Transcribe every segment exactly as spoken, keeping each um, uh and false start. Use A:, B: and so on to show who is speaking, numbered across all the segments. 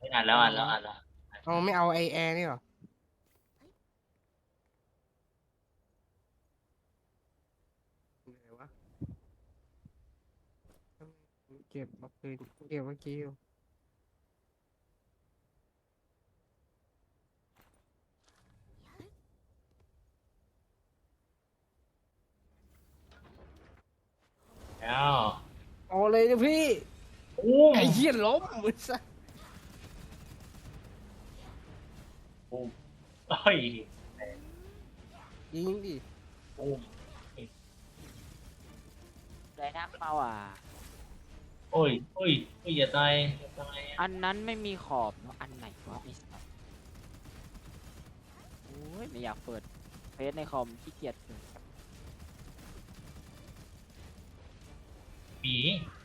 A: อ่านแล้วอ่านแล้วอ่านแล้ว
B: เอาไม่เอาไอแอร์นี่หรอไหนวะเก็บมาคืนเก็บเมื่อกี้อยู่
A: แล้ว
B: เอาเลยนะพี่
A: อุ้ม
B: ไอ้เหี้ยล้มมือซะ
A: อุ้มเฮ้ย
B: ยิงดิ
A: อุ้ม
C: ได้นักเปล่าอ่ะ
A: โอ้ยโอ้ยโอ้ยอย่าตายอย่าตาย
C: อันนั้นไม่มีขอบเนอะอันไหนวะไอ้สัสโอ้ยไม่อยากเปิดเฟซในคอมขี้เกียจเปิด
A: หมี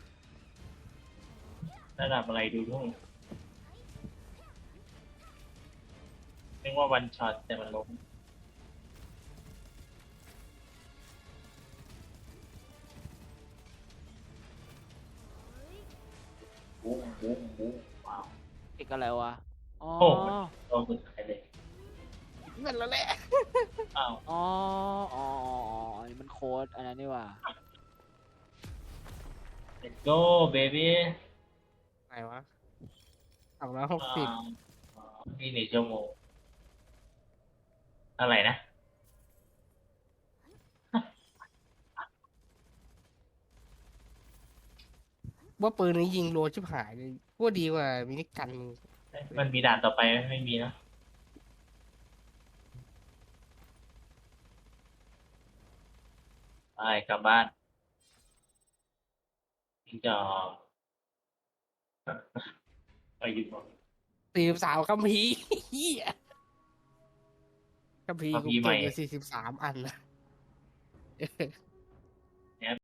A: ระดับอะไรดูด้วยเรียกว่าวันช็อตแต่มันล้มบูมบูมบูมว้าว
C: ติดอะไรวะอ๋อ
A: โอ้มันโดนสุดท้ายเลย
B: นั่นแล้วแหละ
A: อ้าว
C: อ๋ออ๋ออ๋ออ๋ออันนี้มันโค้ดอันนั้นนี่หว่า
A: let's go baby
B: ไหนวะสองร้อยหก
A: อ่า
B: สิบ
A: นี่หนึ่งชั่วโมงอะไรนะ
B: ว่าปืนนี้ยิงรัวชิบหายเลยว่าดีกว่ามินิกันมึง
A: มันมีด่านต่อไปไหมไม่มีนะไปกลับบ้านจิงจอกไปอยู่ก่อน
B: สี่สิบสามคัมภีร์เหี้ยคัมภีร์
A: เอา
B: กู
A: พีใหม่
B: เก็บอยู่สี่สิบสามอันนะ